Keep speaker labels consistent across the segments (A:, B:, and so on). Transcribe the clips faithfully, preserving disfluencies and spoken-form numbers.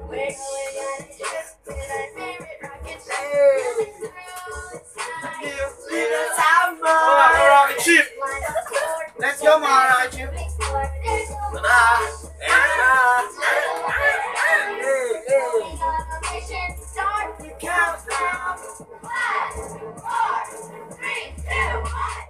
A: Rocket ship! Let's go mga rocket ship! Ito na! Ito na! Hey! Hey! Countdown! five, four, three, two, one!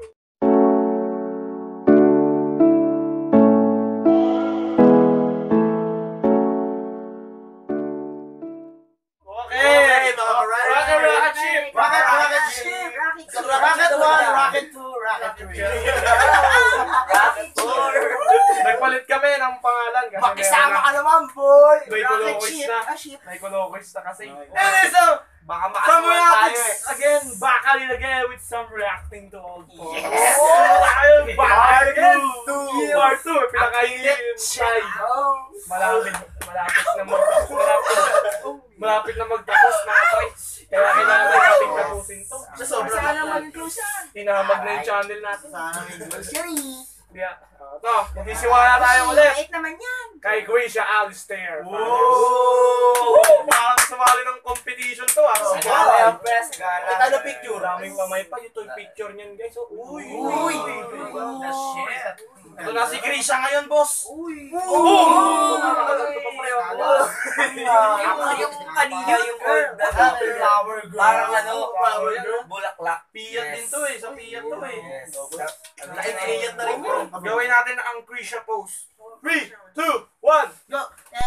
A: Okay! Rocket rocket ship! Rocket rocket ship! Rocket one, rocket two, rocket three. Rocket four. Nagpalit kami ng pangalan kasi
B: makisama ka naman, boy!
A: may Colocos na.
B: Ah, ship.
A: May Colocos na kasi. And so,
B: Baka
A: some
B: makasama tayo
A: reacting
B: eh.
A: again, Bakalil again with some reacting to old poems.
B: Yes!
A: Tayo, Bakalil again!
B: two.
A: Part two, pinakainit tayo. Malapit, malapit na magtapos. Malapit, malapit na magtapos na ito. Kaya kailangan natin tapusin to.
B: Sana mag-inclusion.
A: Tinamag na yung channel natin.
B: Sana mag-inclusion.
A: Kaya, ito, magsisimula tayo ulit.
B: Mait naman yan.
A: Kay Gracia Alistair.
B: Wow!
A: Parang sumali ng competition to ah.
B: Sagara yung press.
A: Ito na picture. Maraming pamay pa. Ito yung picture niyan guys. Uy!
B: Uy!
A: The shit! Ito na si Gracia ngayon, boss.
B: Uy!
A: Oh! Nakakaganto pa pareho.
B: Yung kanina yung flower girl. Parang ano, flower girl. Bulaklak.
A: Piyat din to eh. Sa piyat to eh.
B: Piyat na rin yun.
A: Gawin natin ang Gracia pose. three, two, one!
B: Go!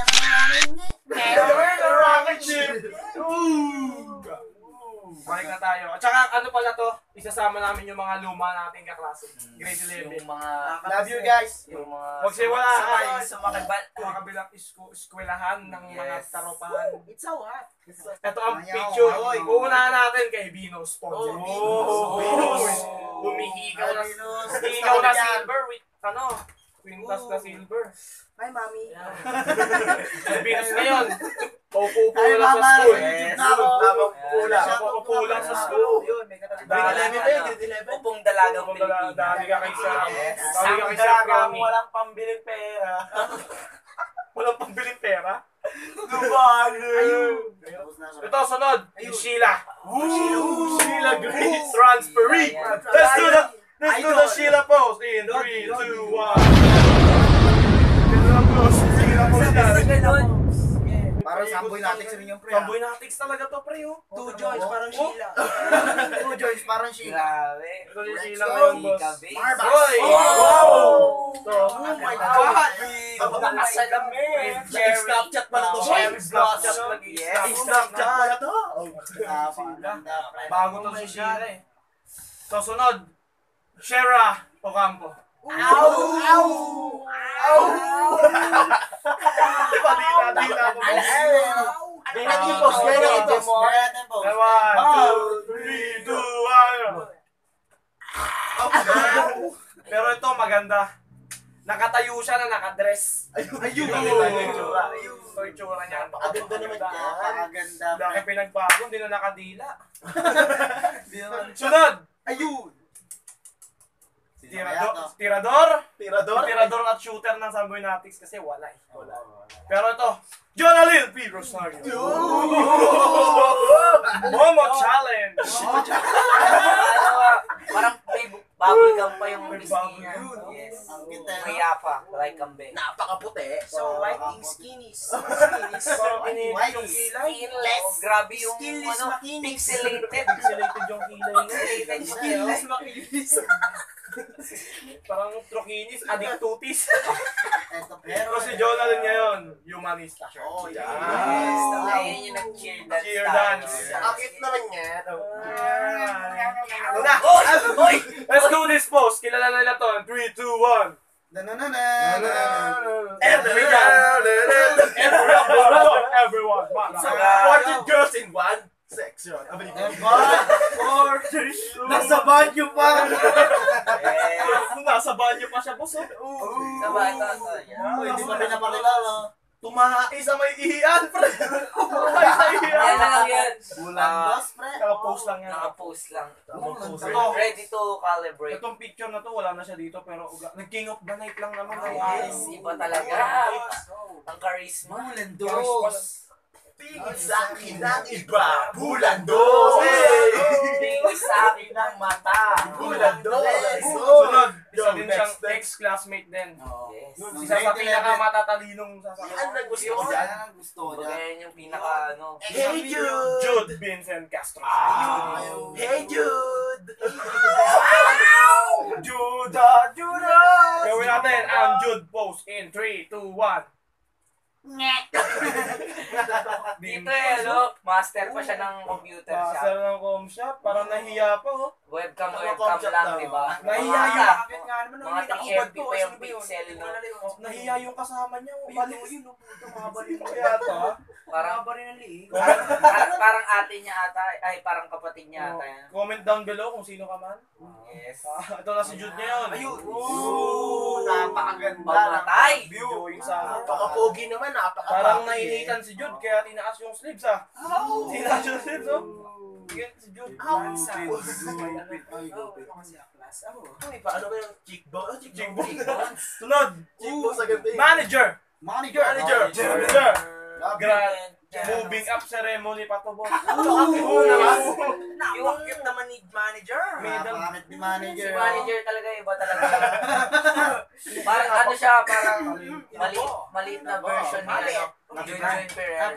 A: Rocket ship! Ooh! Balik na tayo. At saka ano pala to, isasama namin yung mga luma nating kaklase. Grade eleven.
B: Yung mga...
A: Love you guys!
B: Yung mga...
A: Magsiwala
B: Sa mga
A: mga kabilang eskwelahan ng mga taropahan.
B: It's so hot.
A: Ito ang picture. Uunahan natin kay Bino Sponsor.
B: Oh,
A: Venus! Humihigaw na Humihigaw na silver with ano? Quintas na silver.
B: Hi, Mami.
A: Venus ngayon. Paupo-upo lang sa school.
B: Yes.
A: Paupo lang. Paupo lang sa school.
B: Yun, may katabi.
A: Grade eleven tayo, grade eleven.
B: Upong dalagang
A: Upong dala- dali ka kay Sam.
B: Yes.
A: Dali ka kay Sam Gami.
B: Walang pambiling pera.
A: Walang pambiling pera.
B: Ayun.
A: Ito, sunod. Yung Sheila. Sheila Grace Transferee. Let's do the Let's do the Sheila pose in three, two, one. Sheila pose. Sheila pose.
B: Parang Samboy Natics rin yung pre.
A: Samboy Natics talaga to, pre.
B: Two joints, parang Sheila.
C: Two joints, parang Sheila.
B: Grabe.
A: Ito yung Sheila ngayon, boss.
C: Marba.
A: Hoy!
B: Wow!
A: Ito.
B: Oh my God! Nakasal kami.
C: Snapchat pala to.
A: Cherry Snapchat lagi.
B: Yes.
C: Snapchat pala to.
A: Bago to si Sheila eh. So, sunod. Shera Ocampo.
B: Ow! Ow! Ow!
A: Padila-dila mo.
C: Gaya natin yung post. Gaya natin yung post. Gaya natin yung post.
A: One, two, three, two, one. Pero ito maganda. Nakatayo siya na nakadress. Ayun! Ayun! Ito yung tsura niya.
C: Napakaganda naman yan. Napakaganda.
A: Dahil pinagbago, hindi na nakadila. Sunod!
C: Ayun!
A: Tirador, tirador,
C: Tirador?
A: tirador at shooter ng Samboy Natics kasi wala eh. Pero ito, Jonalyn P. Rosario. Momo Challenge.
B: Parang may bubble gum pa yung
A: May
B: wrist
A: bubble
B: niya.
A: gum.
B: Yes.
C: Ang kita.
B: Maya pa, like kambe.
C: Napakaputi.
B: So, white ink skinnies. Skinnies.
A: Parang init yung kilay.
B: Skinless. Oh, grabe yung
C: Skinless
B: ano,
C: makinis.
B: pixelated.
A: Pixelated yung kilay niya.
B: Pixelated
C: Skinless
B: makinis.
A: Parang trokinis, adictutis.
C: Eto,
A: Pero si Jonalyn ngayon, humanista.
C: Oh,
A: Yan.
C: yes.
B: Ayun yung nag-cheer dance.
A: Cheer dance.
C: Akit naman niya.
A: Ano na?
B: Oy! Oy!
A: Let's do this pose. Kilala nila to. three, two, one.
C: Na-na-na-na.
A: Everyone. Everyone. Everyone.
C: fourteen girls in one section.
A: One, four, three, two.
C: Nasa banyo pa.
A: Nasa banyo pa siya, boss.
B: Sabay ito.
C: Uy, di pa pinapakilala.
A: Tumahay sa may ihian, pre. Tumahay sa
B: Yan
A: ihian.
B: na lang yan.
C: Bulan dos, pre.
A: Naka-post lang yan.
B: Naka-post lang.
A: Naka-post.
B: Ready to calibrate.
A: Itong picture na to, wala na siya dito, pero nag-king of the night lang naman.
B: Yes, iba talaga. Ang charisma.
C: Bulan dos. Tingin sa akin ng iba, bulan dos.
B: Tingin sa akin ng mata.
C: Bulan dos.
A: Sunod, isa
C: Yo,
A: din
C: next,
A: siyang
C: next.
A: ex-classmate din.
B: Yes.
A: Isa sa pinakamatalinong sasakyan.
C: Yan ang gusto ko dyan.
D: Gusto ko dyan.
B: Kaya yung pinaka ano.
C: Hey Jude!
A: Jude Vincent Castro.
C: Hey Jude!
A: Juda, Juda! Gawin natin ang Jude pose in three, two, one.
B: Dito eh, ano, master pa siya ng computer
A: Master
B: shop.
A: ng com shop. Parang nahiya pa, oh.
B: Webcam,
C: Ano,
B: webcam
C: comshop
B: lang,
C: daw.
B: di ba?
A: Nahiya
B: Mga-
A: yung...
B: Mga tang-M P pa yung pixel, no?
A: Oh, nahiya yung kasama niya. Oh, balik. Balik mo yata. ah.
B: Parang,
A: Comment,
B: parang, parang ate niya ata, ay parang kapatid niya ata yan.
A: comment down below kung sino ka man.
B: Yes.
A: Ah, ito na si Jude ngayon.
C: Ayun! Oo! Napakaganda!
B: Pamatay!
A: Going sa
C: Napakapogi naman, napaka
A: Parang nainitan si Jude kaya tinaas yung sleeves ah. Tinaas yung sleeves oh. Sige, si Jude.
C: Ay, paano ba yung cheekbone? Oh, cheekbone.
A: Cheekbone. Sunod.
C: Cheekbone sa gabi.
A: Manager.
D: Manager.
A: Manager.
C: Manager.
A: Manager.
C: Grabe.
A: Gra- Moving up ceremony pa to boss.
C: Oo naman.
B: Yung
C: Cute naman ni manager.
A: Middle.
D: Pangit ni
B: si
D: manager.
B: manager talaga, iba talaga. Parang ano siya, parang maliit, maliit na version ni ano, Junjun Perez.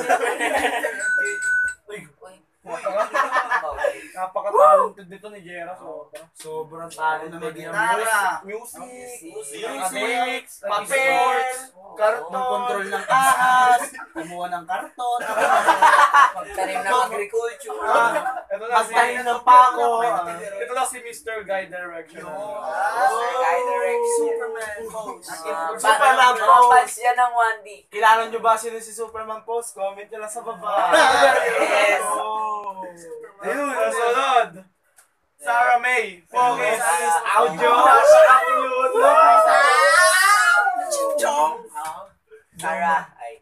A: Uy,
B: Uy,
A: napaka-talented dito ni Jera. So,
C: Sobrang
D: Ano
C: talented
D: na
C: niya.
D: gitara.
A: music,
B: Music.
A: academics,
C: Papel.
A: sports,
D: Ng control ng ahas. Kumuha ng karton.
B: magtanim ng agriculture.
A: Ito na si
C: Magtanim ng pako.
A: Ito na si Mister Guy Direction.
B: Master Guy Direct.
C: Superman pose.
B: Ah,
C: Superman
B: mga
C: pose.
B: fans yan ng one D.
C: Kilala nyo ba sino si Superman pose? Comment nyo lang sa baba.
B: Yes.
A: Ayun, nasunod. Sarah May, Focus,
B: Ah,
A: Audio,
C: Chong.
B: Sarah. Ay.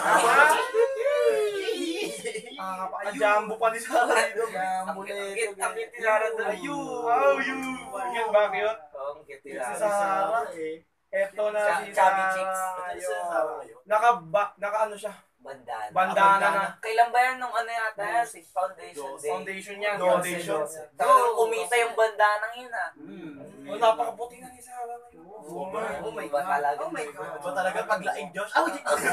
A: Jumbo pa ni Sarah dito.
B: Ang ang cute ni Sarah doon.
A: Ayun. Oh, you. Bakit ba cute?
B: Oh, ang cute ni
A: Si
B: Sarah.
A: Sarah. Eto na
B: Cha-
A: si
B: chubby
A: Sarah.
B: chicks.
A: Ayun. Naka, ba, naka ano siya?
B: Bandana.
A: Bandana na.
B: Kailan ba yan nung ano yata yan? Si Foundation Day.
A: Foundation yan.
C: Foundation.
A: Foundation.
B: Talagang kumita yung bandanang yun ah.
A: Oh, napakaputi na ni Sarah ngayon.
C: Oh my-
B: Oh my God. Talaga.
C: Oh my God. Ba talaga paglaing Josh? Oh,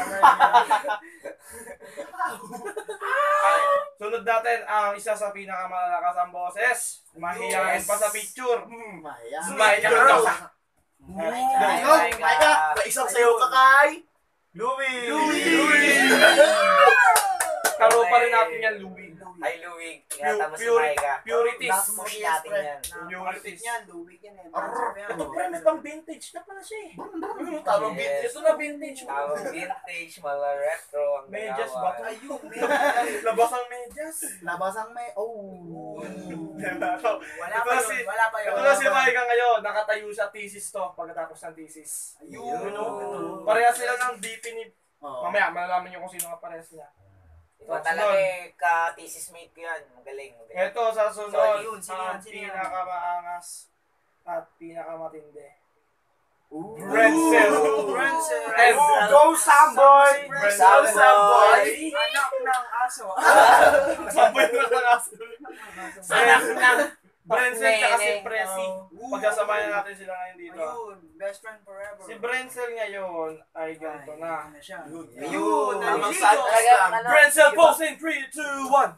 A: Sunod natin ang isa sa pinakamalalakas ang boses. Mahihayin
B: Yes.
A: pa sa picture.
D: Maya.
A: Smile ka
C: Girl.
A: daw.
C: Ay,
B: Oh my
C: my God.
B: God.
C: May isang sayo ka kay Louie.
A: Louie. Karo pa rin natin yan, Louie.
B: Ay, Louie. Ingatan mo si
A: Purity.
B: Micah.
A: Purities.
B: Push natin yan.
A: Purities.
C: Louie yan eh.
A: Ito premise pang vintage na pala siya eh.
C: Tawag
B: Yes.
A: Ito na vintage.
B: Tawag vintage, mala retro. Ang
A: Medyas
B: ginawa.
A: ba? Ayun. Labas ang medyas.
D: Labas ang may... Oh.
C: Wala
A: Ito
C: pa
A: na
C: yun.
A: si,
C: Wala pa yun.
A: ito na si Micah ngayon. Nakatayo sa thesis to pagkatapos ng thesis.
C: Ayun.
A: Ayun. Pareha sila ng D P ni...
D: Oh.
A: Mamaya, malalaman nyo kung sino nga parehas niya.
B: Iba talaga eh, ka-thesis mate ko yan. Magaling, magaling.
A: Ito sa sunod,
B: Sorry,
C: yun, sino
A: ang
C: yan, sino yan?
A: pinakamaangas at pinakamatindi.
D: Ooh.
A: Brenzel.
C: Brenzel.
A: And
C: Go Samboy!
A: Brenzel
C: Samboy!
B: Anak ng aso.
A: Samboy na lang aso.
B: Anak ng
A: Brenzel tsaka si
B: Nene.
A: Presi. Pagsasamayan natin sila ngayon dito.
C: Ayun, best friend forever.
A: Si Brenzel ngayon ay ganito na.
C: Ano siya?
D: Ayun.
C: Tamang
D: Ayun.
C: sad
B: Talagang
C: lang.
B: ano,
A: Brenzel pose in three, two, one.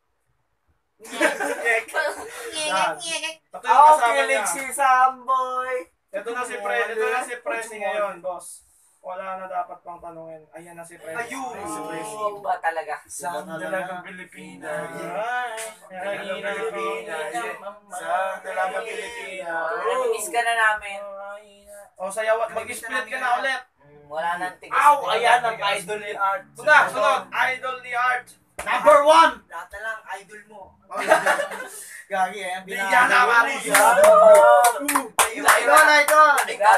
A: Yan. Ito yung
C: Oh,
A: kasama niya.
C: kilig si Samboy!
A: Ito na si Pre, ito na si Presi ngayon, boss. Wala na dapat pang tanungin. Ayan na si Presi.
C: Ayun.
A: Ay, si Presi.
B: Iba talaga.
C: Sa dalagang Pilipinas.
A: Ay,
C: Dalagang Pilipinas. Sa dalagang Pilipinas.
B: Nami-miss ka na namin.
A: O, sayaw at mag-split ka na ulit.
B: Mm, Wala nang tigas.
C: Aw! Ayan ang idol ni Art.
A: Sunod, sunod. Idol ni Art.
D: Number one!
C: Lahat na lang, idol mo.
D: Gagi eh.
A: Di yan na Marisa.
D: Idol, idol!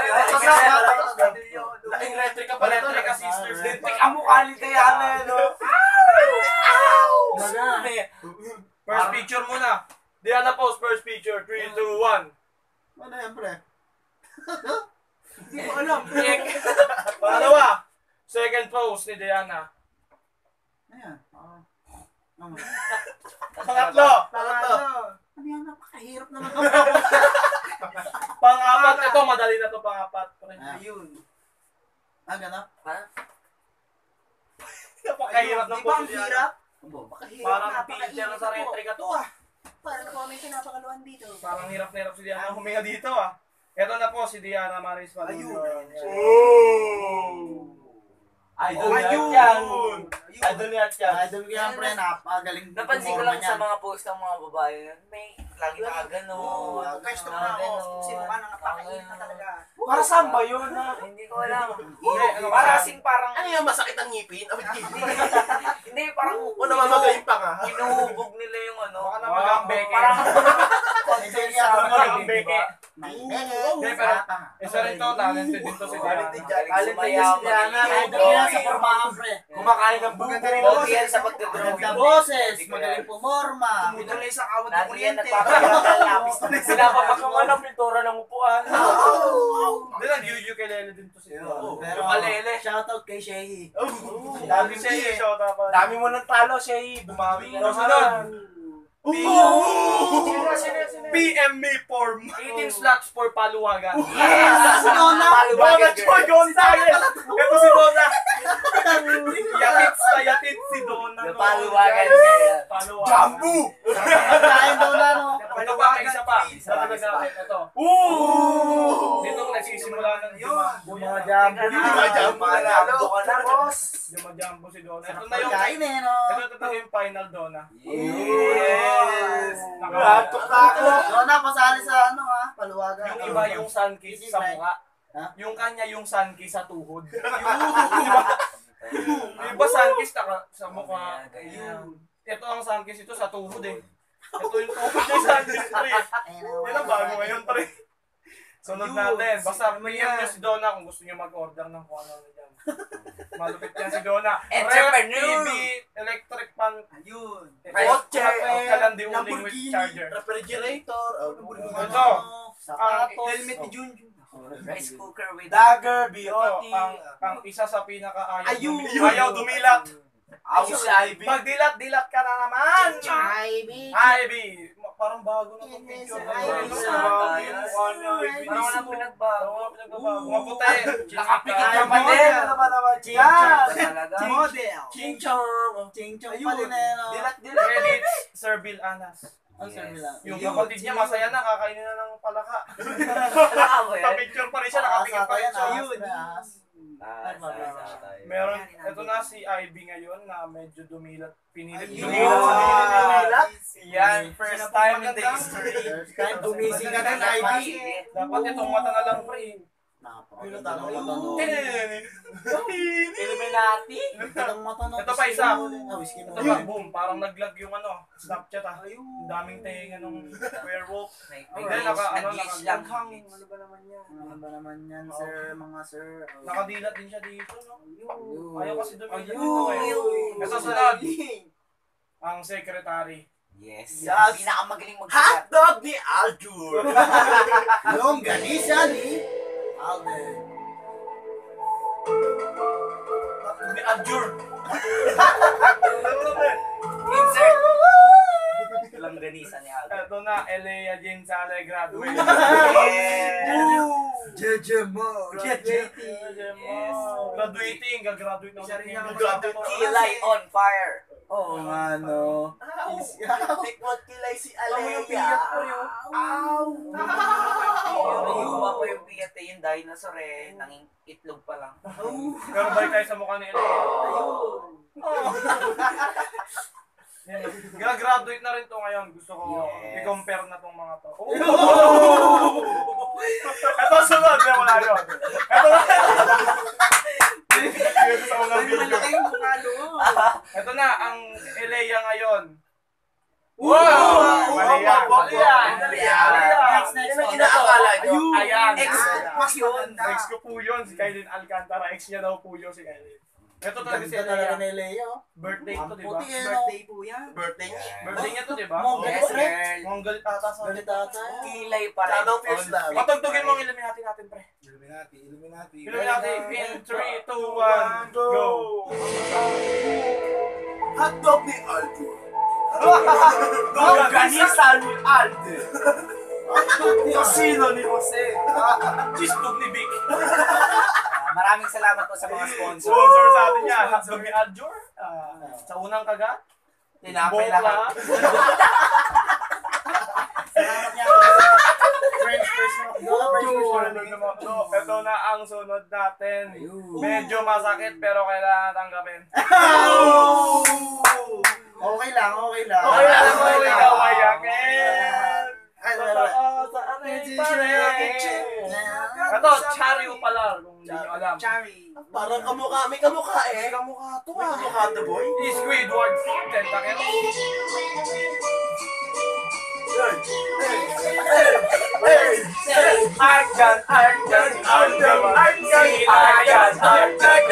C: Laing retry ka
A: pa, retry ka, sisters.
C: Lintik ang mukha ni Tayana, no?
A: First picture muna. Diana pose, first picture. three, two, one.
D: Ano yan, pre?
C: Hindi ko alam.
A: Pangalawa. Second pose ni Diana.
D: Ayan.
A: Pangatlo. Pangatlo.
C: Ano yan, napakahirap naman.
A: Pang-apat. Ito, madali na to pang-apat.
C: Ayun.
D: Ah, gano'n?
B: Ha?
A: Napakahirap ng
C: Di ba ang
A: puzzle yan.
C: hirap?
B: Napakahirap.
A: Parang
C: Napakahirap
A: teacher
C: na
A: sa
C: to.
A: retrika to ah.
C: Parang ako may pinapakaluan dito.
A: Parang hirap na hirap si Diana huminga dito ah. Ito na po si Diana Maris Padullo.
C: Ayun.
D: Idol
C: Ayun.
D: yan.
A: Idol niya yan.
D: Idol ko yan, pre. Napagaling
B: Napansin ko
D: pumorma
B: lang
D: niyan.
B: sa mga post ng mga babae, may lagi nakagano.
C: Oo, guys, ito na ako. Sino ka nang napakainit na talaga.
D: Para saan ba yun? ha?
B: Hindi ko alam.
A: Hindi, ano
B: Para
A: ba?
B: kasing parang,
E: Ano yung masakit ang ngipin? Abit ngipin.
B: hindi parang,
E: O namamagayin pa nga.
B: inuhubog nila yung ano.
A: Baka na magambeke.
B: Parang,
D: Medyo niya ako
A: Parang
D: narinig,
A: beke.
D: di ba?
A: Hindi, pero isa rin to, talented din to si Diana.
B: galing sumayaw,
D: Idol
B: magaling
D: ko yan sa
B: sumayaw.
D: formahan, pre.
E: Kumakain ng bugan na rin.
B: Pogi yan sa
D: Magandang
B: pagdodrawing.
D: boses, magaling pumorma.
C: Tumutuloy sa kawat ng
B: Lagi yan
C: kuryente.
B: nagpapaganda ng lapis.
E: Pinapapakaman ang pintura ng upuan.
A: Hindi lang, Yuyu kay Lele din to si Diana.
D: Pero,
E: Ukalele.
D: shoutout kay Shehi.
A: Dami siya yung shout out.
E: Dami mo ng talo, Shay. Bumawi ka
A: Tapos
E: naman.
A: P M me form.
E: eighteen slots for paluwagan.
D: Yes! Nona!
A: Donna Choi Gonzalez. Ito si Donna. Yatits na yatits si Donna.
B: Napaluwagan kaya.
A: Paluwagan.
E: Jambu!
D: Kain daw na, no?
A: Ito pa, isa pa. Isa pa, isa pa. Ito.
E: Ooh!
A: Dito ko nagsisimula ng jumambo.
D: Yung mga jambo
B: Teka
D: na.
B: na.
E: Mga jambo na lalo.
C: Boss.
A: Jumajambo si Donna. Ito
D: Sarap
A: na yung,
D: pagkain eh, no?
A: ito, ito, ito yung final Donna.
E: Yes!
A: Naka-
E: Ratok na ako.
D: Nona, pasali sa ano, ha? Paluwagan.
A: Yung iba yung sun kiss sa mukha.
D: Ha?
A: Yung kanya yung sun kiss sa tuhod. Yung iba sun kiss naka- sa mukha.
B: Ganyan.
A: Ito ang sun kiss ito sa tuhod eh. Ito yung tuhod yung sun kiss pre. Yan ang bago ngayon pre. Sunod natin. Basta P M nyo si Donna kung gusto nyo mag-order ng kung ano dyan. Malupit yan si Donna.
B: Entrepreneur!
A: T V, electric pan,
C: Ayun.
E: Kotse.
A: kalandi uling with
C: Lamborghini.
A: charger.
E: Refrigerator.
A: Ito.
D: Sapatos.
C: Helmet ni Junjun.
B: Rice cooker with
E: Dagger, B
A: Ito,
E: O T.
A: ang, ang isa sa pinaka-ayaw
C: Ayun.
A: dumi- ayaw dumilat.
E: Ako si Ivy.
A: Magdilat-dilat ka na naman!
C: Ivy.
A: Ivy! Ma- Parang bago na itong
C: Yes,
A: picture.
C: Ivy.
A: Parang
B: Ivy.
A: mukha niya, Ivy.
B: Parang walang pinagbago.
A: Parang walang pinagbabago. Maputi.
E: Nakapikit
A: Ivy.
E: ka pa din. Ano ba naman?
D: Yes!
B: Talaga.
C: Model.
E: Ching-chong.
D: Ching-chong pa din eh, no?
E: Dilat-dilat.
A: Credits, Sir Bill Anas.
D: Ang sabi lang.
A: Yung kapatid niya, masaya na, kakainin na ng palaka.
B: Wala ba yan?
A: Pa-picture pa rin siya, nakapikit pa rin siya.
D: Ayun.
B: Ah, sa- sa-
A: Meron, ito na si Ivy ngayon na medyo dumilat, pinilit
C: Ayun.
A: dumilat sa pinilit.
E: Yan, first time in the history.
D: First time
C: Gumising ka na,
B: Sige.
C: Ivy.
A: Dapat itong mata na lang pre.
D: Napakaganda ng mata, no?
E: Illuminati.
D: Ang mata, no?
A: Ito pa isa.
D: Ah, whiskey mo.
A: Ito pa, boom, parang naglag yung ano, Snapchat ah. Ang daming tenga nung werewolf.
B: May-
A: Hindi,
B: may
A: naka, ano,
B: nag-glitch
A: naka-
B: lang.
C: Ano ba naman yan?
D: Ano ba naman yan, sir? Mga sir.
A: Nakadilat din siya dito, no?
D: Ayun.
A: Ayaw kasi dumilat
C: Ayun.
A: dito eh.
C: Ayun.
A: Ito sunod, ang secretary.
B: Yes.
E: Yes.
B: Pinakamagaling magsulat.
E: Hotdog ni Aljur.
D: Longganisa ni Alden.
A: Ni Adjur.
B: Insert. Lang ganisa ni Aldo.
A: Ito na, Elea Jane Sale graduate.
D: Jejemo.
B: Yes.
A: Graduating, gagraduate na.
C: Siya rin yung
A: Graduate.
B: Kilay on fire.
D: Oo nga, no?
E: Tikot kilay si
A: Alam mo yung
E: Alea.
A: piyat ko yun.
B: Nayuma pa yung piyate yung dinosaur eh. Nanging itlog pa lang.
A: Pero balik tayo sa mukha ni Elea. Gagraduate na rin to ngayon. Gusto ko
B: Yes.
A: i-compare na tong mga to. Ito sunod. Hindi, wala yun. Ito na. Dito sa unang video.
C: Malaki yung mukha doon.
A: Ito na, ang Elea ngayon.
E: Wow!
A: Mali yan.
E: Mali yan.
A: Mali
E: Mali
A: yan.
E: yan.
D: Next, next
E: Yan ang
D: one.
E: inaakala nyo.
A: Ayan.
C: Ex mas yun.
A: Ex ko po yun, si Kailin Alcantara. Ex niya daw po yun, si Kailin. Ito talaga si
D: Ganda talaga
A: Elea.
D: ni Leo.
A: Birthday to, di ba?
D: Puti eh, no?
C: Birthday po yan.
E: Birthday niya.
A: Birthday niya to, di ba?
D: Mongol
B: Yes,
D: pre.
B: girl.
A: Mongol ata sa...
D: Galit ata.
B: Kilay pa rin.
E: Shadow Fierce
B: on
E: lang.
B: fire.
A: Patugtugin mo ang Illuminati natin, pre.
F: Illuminati, Illuminati.
A: Illuminati in three, two, one, go!
E: Hotdog ni Aljur. Longganisa ni Aldo.
A: Casino ni Jose. Cheesebug ni Vic.
B: Ah, maraming salamat po sa mga sponsor.
A: Sponsor sa atin yan. Hotdog ni Aljur. Ah, sa unang kagat.
E: Tinapay
A: Bokla.
E: lahat.
C: Salamat niya. French first mo.
A: So, ito na ang sunod natin. Medyo masakit pero kailangan tanggapin.
C: Okay lang, okay lang.
A: Okay lang, okay lang. Ikaw mayakin.
C: Ay,
A: Totoo sa ating parin. Ito, Charyo pala. Kung hindi nyo alam.
C: Cherry.
E: Parang kamukha, may kamukha eh.
A: Kamukha to
E: May
A: ah.
E: kamukha to boy.
A: Squidward Tentacle. Arjan, Arjan, Arjan, Arjan, Arjan, Arjan.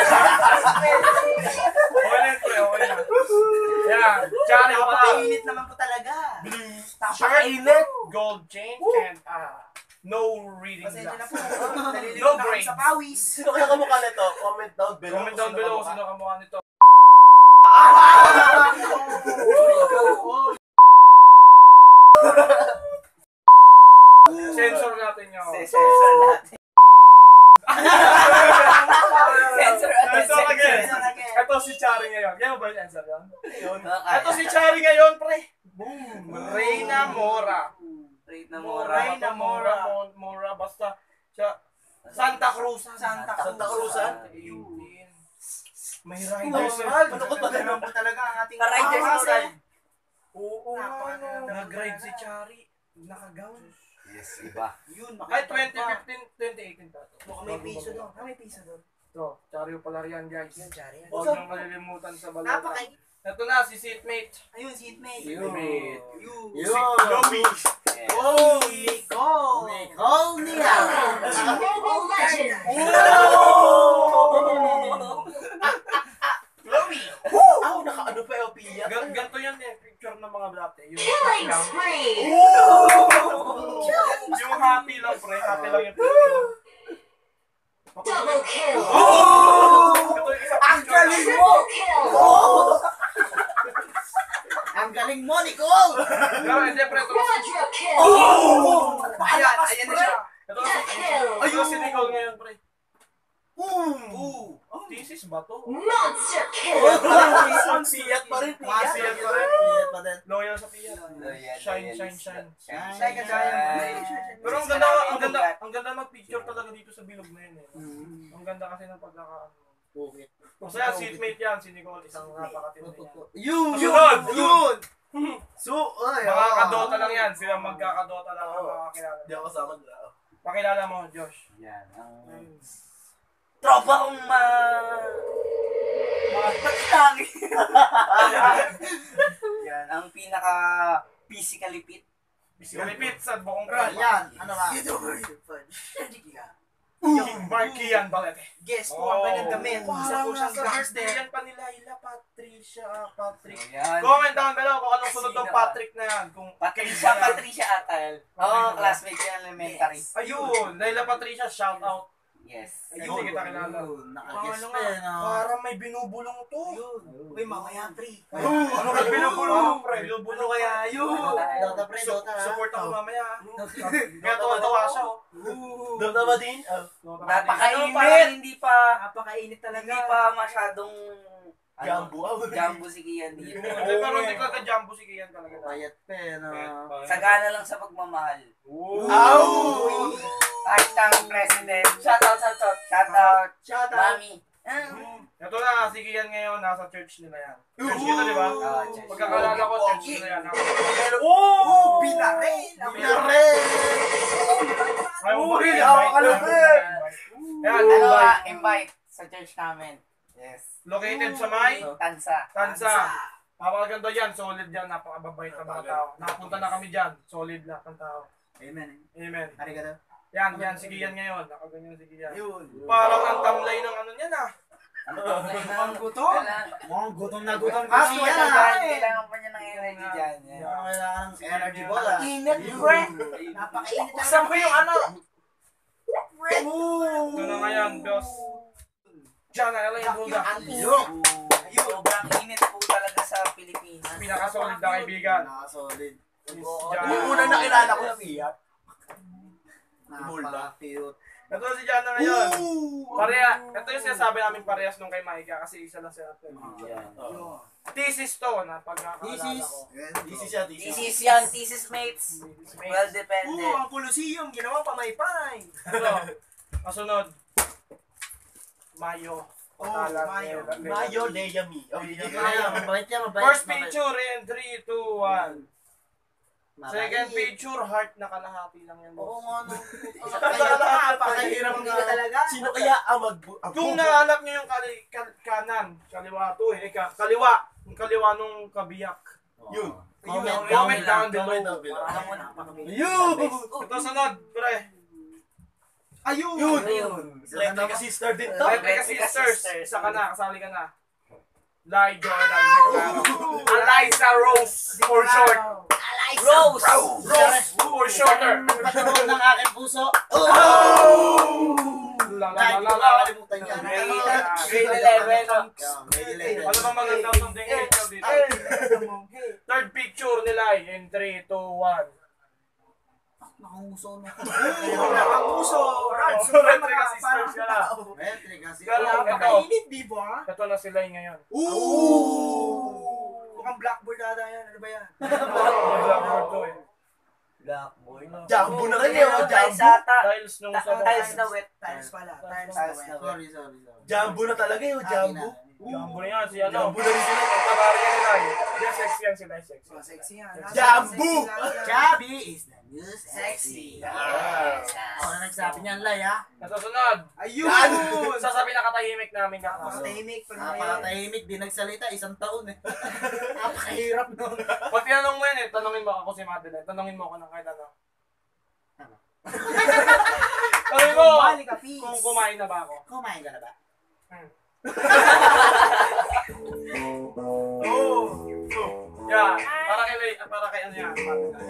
A: Okay lang po, okay lang. Yan, Charyo pala.
C: Napakainit naman po talaga.
A: Shirt, gold chain, and uh, no reading
C: Pasensya na
A: glass.
C: po. Naliligo
A: No
C: na kami
A: brains.
C: sa pawis.
E: Sino kaya kamukha nito? Comment down below.
A: Comment down below kung sino kamukha nito. Sensor natin yun.
B: Sensor natin. Sensor
A: Sensor again.
C: Sensor again.
A: Ito si Chari ngayon. Kaya ba yung sensor yun?
E: Ayun.
A: Ito si Chari ngayon, pre. Boom! Reyna Mora.
B: Rate na mura.
A: Reyna Mora. Mora, Mora. Basta siya. Santa Cruz.
C: Santa Cruz.
E: Santa Cruzan.
A: May
C: Riders
A: riders.
C: World. Ano ko ba naman po talaga ang ating
B: Ka-riders
C: mga
B: World.
A: Oo,
C: Napaka-
A: ano. Nag-ride si Chari. Nakagown.
B: Yes, iba.
C: Yun,
A: Ay,
C: makita
A: twenty
C: pa.
A: fifteen, twenty eighteen pa ito.
C: Mukhang may piso doon. Ah, may piso doon.
A: Ito, Chari pala yan, guys.
C: Yun, Chari.
A: Huwag nang malilimutan sa balota.
C: Napaka...
A: Ito na, si seatmate.
C: Ayun, seatmate.
A: Seatmate.
C: Yun.
A: Si Chloe.
C: Oh, Nicole. Nicole Nia.
E: Chloe! Ako, naka-ano pa yung piya.
A: Gan- Ganito yan eh, picture ng mga blatte. Yung
F: Killing
A: lang.
F: spree!
A: Yung happy lang, pre. Happy lang yung picture.
F: Double kill!
A: Ito yung isang picture.
F: Triple kill!
C: Ang galing mo, Nicole.
A: Pero hindi, pre. Ito,
F: Quadra kill!
C: Ayan, ayan na siya.
A: ito, ito si Nicole ngayon, pre.
C: Ooh.
A: Oh, thesis ba to?
F: Monster kill!
E: Ang siyat pa rin, piya.
A: Masiyat pa rin.
C: Piyat pa din.
A: Loyal sa piya.
B: Loyal,
A: Shine,
B: loyal.
A: shine, shine.
B: Shine,
C: Shine ka tayo.
A: Pero ang ganda, ang ganda, ang ganda mag-picture talaga dito sa bilog na yun eh. Ang ganda kasi ng pagkaka...
C: Bukit.
A: Masaya, seatmate yan, si Nicole, isang napakatindi yan.
C: Yun,
A: Sunod,
C: yun. So, ay,
A: Mga
C: ah.
A: kadota lang yan, sila magkakadota lang ang makakilala.
E: Hindi ako kasama nila.
A: Pakilala mo, Josh.
B: Yan, ang... Tropa kong ma... Mga tatang. Yan, ang pinaka physically fit.
A: Kalipit sa buong
C: Ah,
A: tropa.
C: yan, ano ba?
A: Yung Markian Balete.
C: Guess ko ang kanyang damit. Isa
A: Parang
C: po siyang
A: nasa
C: gangster.
A: birthday yan pa nila, Ila Patricia, Patrick.
B: Yan.
A: Comment down below kung anong sunod ng
B: Sino?
A: Patrick na yan. Kung
B: Patricia, Patricia Atal. Oo, oh, classmate niya ng elementary.
A: Ayun, Laila Patricia, shout out.
B: Yes.
A: Ayun, hindi kita kilala.
C: Nakaguess
A: Ano
C: pa
A: nga,
C: yan, ah.
A: parang may binubulong to.
C: Uy, mamaya, pre.
A: Ayun, ano kaya binubulong? Pre,
C: Ano
A: binubulong
C: kaya
A: kaya
C: yun? Dota, pre,
A: Su-
C: Dota. ah.
A: Support ako
C: Oh.
A: mamaya. ah. Kaya tawa-tawa siya. oh.
E: Doon na ba din? Oh.
B: Napakainit.
A: Ano, parang
B: hindi pa,
C: Napakainit talaga.
B: hindi pa masyadong...
E: Jambu. ah.
B: Jambu si Kian dito.
A: Hindi, pero hindi ka ka-jumbo si Kian talaga.
C: Payat pa yan, ah.
B: Sagana lang sa pagmamahal.
A: Ow!
B: Hashtag president. Shoutout, shoutout. Shoutout.
C: Shout out.
B: Mami. Ah.
A: Ito na, si Kian ngayon, nasa church nila yan. Church kita, di ba?
B: Ah, church.
A: Pagkakalala ko, church nila yan.
C: Pero,
A: Oh!
C: Binarel! Ang
A: Binarel!
C: binarel!
A: Ay,
C: Uri,
A: invite,
C: hawak ka
A: invite,
C: lang,
A: invite. Yan,
B: Ano
A: invite.
B: ah, invite sa church namin. Yes.
A: Located sa may
B: Tansa.
A: Tansa. Napakaganda yan, solid yan, napakababait ng mga tao. Nakapunta na kami dyan, solid lahat ng tao.
C: Amen.
A: Amen.
C: Arigato.
A: Yan, yan, si Kian ngayon, nakaganyan si Kian.
C: Yun.
A: Parang ang tamlay ng ano niyan ah.
C: Mukhang gutom.
B: Kailangan,
C: Mukhang gutom na gutom
B: Ah,
C: kasi
B: kailangan,
C: yan.
B: kailangan pa niya ng energy dyan. Yan.
C: Mukhang kailangan ng energy ball, ah.
B: Init,
C: Yun.
B: pre.
C: Napakainit talaga.
B: Buksan mo yung ano.
A: Ito na ngayon, boss. Diyan na, L A Buda.
C: Yun.
B: Sobrang init po talaga sa Pilipinas.
A: pinaka-solid na kaibigan.
D: Nakasolid.
A: Miss
C: Yung
A: Jana.
C: una nakilala ko na Fiat.
D: Napaka-cute.
A: Ito si Jana ngayon. Pareha. Ito yung sinasabi namin parehas nung kay Maika kasi isa lang sila. Thesis to na pagkakaalala
D: Thesis.
A: ko.
E: This is siya, this is.
B: Thesis yan, thesis mates. Well
C: Oo,
B: depended.
C: ang Colosseum, ginawa pamaypay.
A: Ito. Kasunod. Mayo. Patalan
C: Mayo.
A: ni-
E: Mayo Leyami. Oh,
D: Ay, mabait yan, mabait.
A: First
D: mabait.
A: picture in three, two, one.
D: Mabait.
A: Second picture, heart na kalahati lang yan.
D: Oo
A: boss.
D: nga, no.
C: Kaya napakahirap nga talaga.
E: Sino kaya ang mag... ang
A: Kung
E: bubo-
A: nahanap niyo yung kali, kal- kanan, kaliwa to eh, ka, kaliwa, yung kaliwa nung kabiyak.
E: Yun.
D: Comment,
A: Comment down below.
E: Comment down below.
B: Alam mo, napakabilis.
A: Yun! Ito sunod, pre.
C: Ayun!
E: Yun!
B: Ayun.
E: Electric sister din to.
A: Electric
B: Electric
A: Sisters.
B: Sisters.
A: Isa ka na, kasali ka na. Lai Jordan. Eliza Rose, for short.
B: Rose!
A: Rose, for shorter.
D: Patulog ng aking puso.
A: La la
D: Ay,
A: la la la.
D: nakakalimutan niya.
B: Grade eleven.
D: Yeah, grade eleven.
A: Ano bang magandang something picture dito? Third picture nila in three, two, one.
D: Nakanguso na.
C: Ang puso, Rans.
A: Oh, Electric Sisters ka na.
D: Electric kasi.
A: Pero ito,
C: Napakainit, di ba?
A: ito na sila ngayon.
C: Ooh! Mukhang blackboard ata yan. Ano ba yan?
A: Blackboard to eh.
B: Blackboard na.
E: Jambo na rin eh. oh,
B: Tiles
E: Jambo.
B: ata.
A: Tiles nung sa
B: Tiles na wet.
C: Tiles pala. Tiles
B: Tiles
C: na
B: na
C: wet.
D: Sorry, sorry, sorry.
E: Jambo na talaga eh. oh, Jambo.
A: Jambo na yan, si ano.
E: Jambo na rin sila.
A: Pagkabari ka nila eh. Yan, sexy yan sila, sexy.
C: Oh, sexy yan.
E: Jambu!
D: Chubby is the new
C: Sexy.
D: sexy. Ako na nagsabi niyan, Lai, ha?
A: Nasusunod.
C: Ayun!
A: Sasabi na katahimik namin ka.
C: Tahimik pa naman.
D: Napakatahimik, di nagsalita, isang taon eh. Napakahirap nun.
A: Pag tinanong mo yan eh, tanongin mo ako si Madeline. Tanongin mo ako ng kahit ano.
D: Ano?
A: Tanongin mo
C: Balik ka, peace.
A: kung kumain na ba ako.
D: Kumain ka na ba?
A: Oh. Yeah, para kay Lay, para kay ano yan.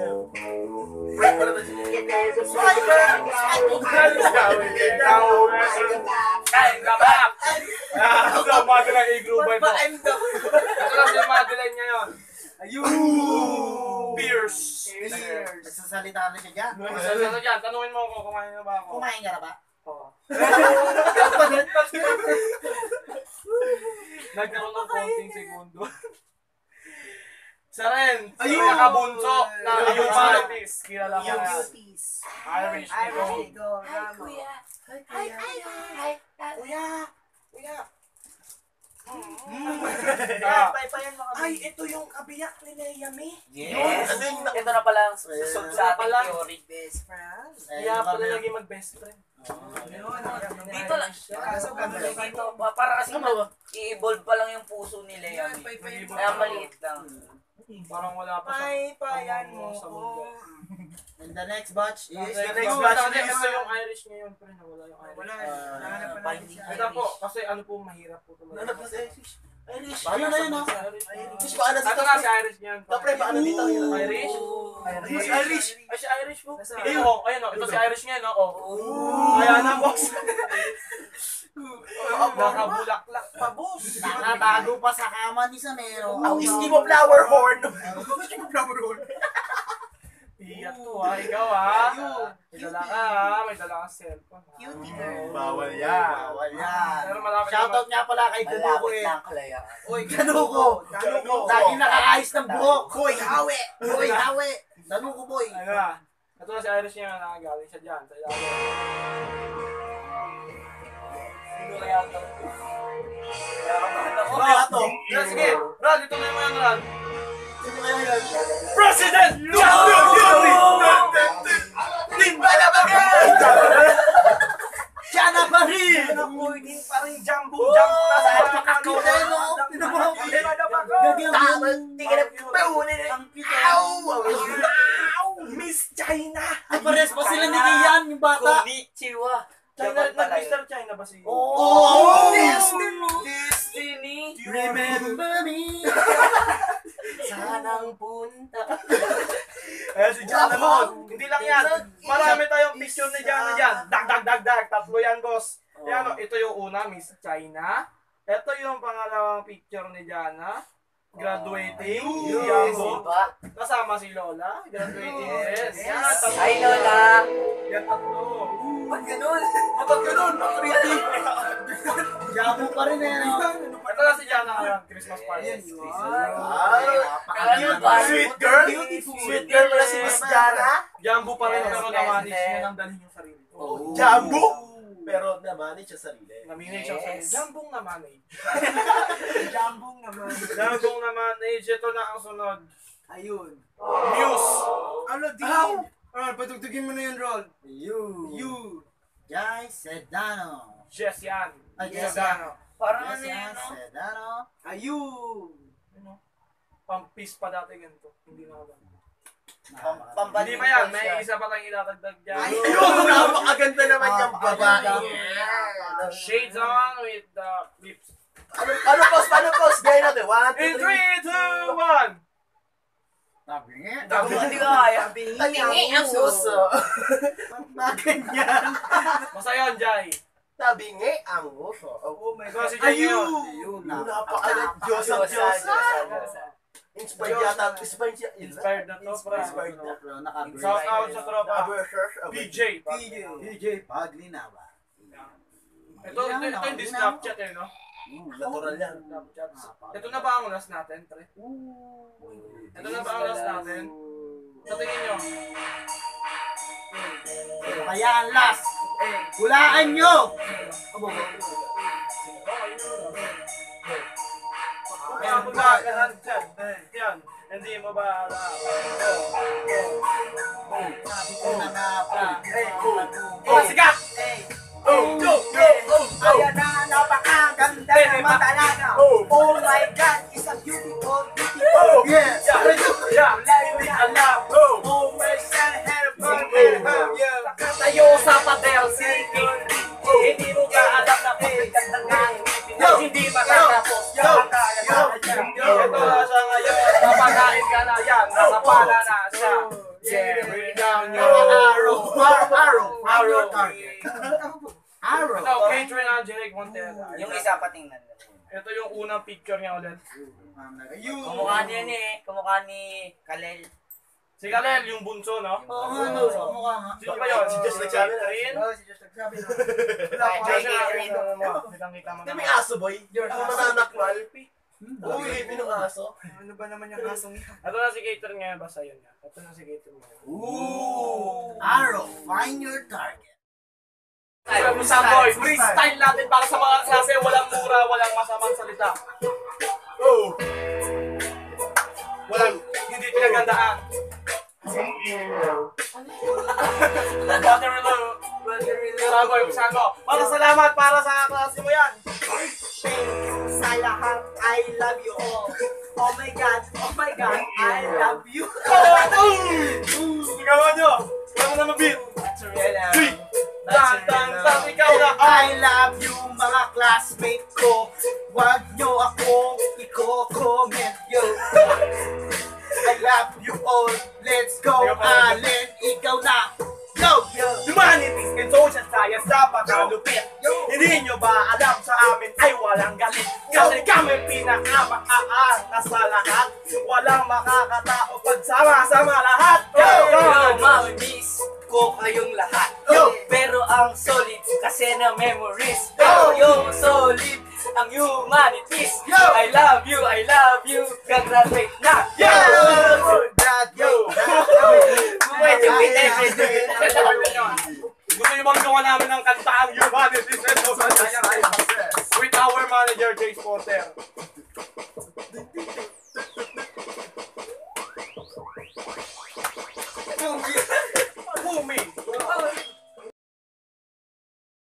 A: Kain ka ba? Ah, ito ang Madeline i-groove mo. Ito lang si Madeline ngayon.
C: Ayun!
A: Pierce.
D: Nagsasalita na siya dyan.
A: Sa ano dyan, tanungin mo ako, kumain na ba ako?
D: Kumain ka na ba?
A: Oo. Nagkaroon ng konting segundo. Sa rin,
C: Ayun!
A: yung nakabunso na
C: Ayun!
A: yung Maltese. Kilala ko
C: Yung
A: na.
C: cuties.
A: Irish.
C: Irish,
A: Irish.
C: go.
B: Hi, kuya.
C: Hi,
B: Hi,
C: kuya.
B: hi, hi.
C: Kuya! Kuya!
A: Ah,
C: Paypayan mo kami. Ay, ito yung kabiyak ni Leyami.
B: Yes.
E: Ano yung na-
B: Ito na pala ang susunod sa ating theory.
C: Best friend.
A: kaya pala lagi mag-best friend.
B: Dito lang.
C: Kaso gano'n lang
B: Dito, para kasi i-evolve pa lang yung puso nila
C: Yan,
B: yan.
C: paypayan mo.
B: Kaya maliit lang.
A: Parang wala pa sa...
C: Paypayan mo
A: sa
C: ko.
A: mundo.
D: And the next batch is...
A: Ito,
E: next
A: ito,
E: batch
A: ito,
E: is-
A: ito yung Irish ngayon, pre. Wala yung Irish.
C: Wala. Nahanap pa natin siya.
A: Ito po, kasi ano po, mahirap po ito.
E: Nanap na si Irish. Irish.
D: Ano na yun, ha?
E: Irish pa na
A: Ito
E: dito.
A: na si Irish ngayon.
E: Tapre pa na dito.
A: Irish?
E: Irish. Irish.
A: Ay, si Irish po.
C: Nasa-
A: Ayun, oh, ayun, oh. Ito si Irish ngayon, oh. oh. Kaya na, boss. Nakabulaklak pa, boss.
D: Nakatago pa sa kama ni Samero.
E: Iski mo flower horn.
A: Iyak to, ha. Ikaw, ha. May dala ka, ha. May dala kang cellphone, ha.
C: Cutie girl.
E: Bawal yan.
D: Bawal yan.
A: Pero malapit
D: Shoutout nga pala kay Kanuko
B: Malapit
D: eh.
B: na ang kalayaan.
C: Uy,
D: Kanuko.
C: Kanuko.
D: Lagi nakakaayos ng buhok.
C: Hoy, hawi.
D: Boy, hawi. Kanuko boy.
A: Ano na? Ito na si Irish niya na galing siya dyan. Sa ilalim.
B: Sino kaya ito? Kaya kabahan ako.
E: Kaya to.
A: Yeah, sige. Brad, ito na yung mga Brad.
E: Sino kaya yan?
A: President!
E: Timba na bagay!
D: Siya na pa rin.
C: Naku, hindi pa rin jumbo. Jumbo na sa
D: Napakakita eh, no?
C: Pinababa na ba ko?
D: Gagawin.
C: Tingnan na paunin eh.
D: Ang kita.
C: Miss China.
D: Ay, pares pa sila ni Kian, yung bata.
B: Konnichiwa.
A: China,
B: Japan pala
A: nag-Mister
B: yun.
A: China ba si...
D: Oh!
B: Destiny.
D: Remember me.
B: Sanang punta.
A: Ayan si Jana noon. Hindi lang yan. Marami tayong picture ni Jana dyan. Dag, dag, dag, dag. Tatlo yan, boss. Ayan, oh, ito yung una, Miss China. Ito yung pangalawang picture ni Jana. graduating.
B: Yes,
A: Yambo.
B: diba?
A: Kasama si Lola. Graduating. Yes.
B: Yes.
A: Yan, tatlo.
B: Hi, Lola.
A: Yan, tatlo.
E: Ba't ganun? Ba't ganun? Ba't pretty?
D: Jabo pa rin eh, no?
A: Ito na si Jana ngayon. Christmas party.
E: Wow. Sweet girl? Sweet girl pala si Miss Jana?
A: Jambo pa rin
B: Yes,
A: pero
B: yes,
A: namanage
B: yes.
A: niya nang dalhin yung sarili.
E: Oh, Jambo? Pero namanage siya sarili.
A: Namanage siya sa
B: Yes.
A: Jambong namanage.
C: Jambong naman.
A: Jambong namanage. Ito na ang sunod.
C: Ayun.
A: Muse.
C: Ano, din? Ah, patugtugin mo na yun, Rol.
D: You.
C: You.
D: Jai Sedano.
A: Jess yan.
D: Ay,
A: Jess
D: Jess
A: Dano.
B: Parang
D: Yes,
B: ano yun,
D: yan,
B: no?
D: Sedano.
C: Ayun.
A: Ano? Pampis pa dati ganito. Hindi na ako.
B: Pam-
D: Napaka-
B: pamban-
A: Hindi pa yan. May isa pa lang ilatagdag dyan.
E: Ayun! Napakaganda naman yung
D: Ah,
E: babae.
D: ganda.
A: Shades on with the lips.
E: Ano, ano pos? Paano pos? Gaya natin. One, two,
A: In
E: three.
A: three, two, one.
D: Sabi nga.
B: Ako hindi ko kaya.
E: Tabingi ang uso.
D: Ganyan.
A: Basta yun, Jai.
E: Tabingi ang uso.
C: Oh my
A: Ito
C: God.
A: si Jai
C: Ayun.
A: ngayon.
D: Ayun,
E: Napakaganda. Diyos ang
B: Diyosa,
E: Diyos.
B: Diyosa, Diyosa.
E: Inspired yata. Inspired siya.
A: Inspired na to, pre.
E: Inspired na.
D: Pero naka-break.
A: Shout out sa tropa.
E: Abershers.
A: P J.
C: P J.
D: D J Paglinawa.
A: Ito, ito, ito hindi Snapchat eh, no?
E: Natural yan.
A: Snapchat. Ito na ba ang last natin, pre? Ito na ba ang last natin? Sa tingin nyo?
D: Kaya ang last. Hulaan nyo!
A: Kaya mo ba, yan, yan, yan, hindi mo ba alam?
D: Sabi ko na nga pa.
A: Oh, sikat!
E: Oh, go, go, oh, go.
C: Ayan na, napakaganda naman talaga.
E: Oh.
C: Oh my God, it's a beautiful, beautiful.
E: Oh,
D: Yes!
A: Yeah,
C: Life I love.
E: oh.
C: Oh my son, heaven,
E: Oh.
C: yeah.
B: Tayo sa pader, sige. Hindi mo ka alam na pagkaganda nga. Hindi makatapos.
E: Yo, yo, yo.
A: ito na siya ngayon. Napakain ka na yan. Nakapala na siya. Yeah, bring it down your
E: Arrow, arrow, arrow.
A: arrow.
D: Arrow!
A: Ito, Catherine Angelic Montero.
B: Yung isa patingnan.
A: Ito yung unang picture niya ulit.
C: Ayun.
B: Kumukha niya ni, kumukha ni Kalel.
A: Si Kalel, yung bunso, no?
D: Oo nga, no. Mukha nga.
A: Sino ba yun?
E: Si Jess nagsabi na.
A: Catherine?
C: Oh, si Diyos nagsabi na.
B: Wala
A: Ay,
B: Jay
A: siya,
B: Catherine.
A: ano mo, kitang-kita mo
E: Hindi
A: naman.
E: may aso, boy. Yung mananakmal. Oo, ilipin ng aso.
C: Ano ba naman yung kasong yan?
A: Ito na si Catherine ngayon, basta yun nga. Ito na si Catherine ngayon.
E: Ooh.
D: Arrow, find your target.
A: Ay, Samboy, freestyle natin para sa mga klase, walang mura, walang masamang salita.
E: Oh.
A: Walang, hindi pinagandaan. Waterloo. Samboy, Sambo. Para salamat para sa klase mo yan.
C: Sa lahat, I love you all. Oh my God, oh my God, I love you.
A: Sigawan nyo. Wala mo na mabit. Three. Tan, tan, tan, ikaw na.
C: I love you mga classmate ko. Wag nyo akong i-comment yo. I love you all. Let's go, Allen. Ikaw na. Yo!
A: Humanities and social science dapat malupit. Hindi nyo ba alam sa amin ay walang galit? Kasi kami pinakamaangas sa lahat. Walang makakatao pag sama-sama lahat. Yo!
B: Yo,
A: Yo!
B: mami, miss ko kayong lahat.
A: Yo!
B: Pero ang solid kasi na memories. Pero yung solid ang humanities.
A: Yo!
B: I love you, I love you. Gagraduate na.
A: Yo!
E: Yo.
B: Pwede, pwede, pwede.
A: Gusto nyo bang gawa namin ng kanta ang Humanities and Social Science with our manager, Jace Porter? Boomy!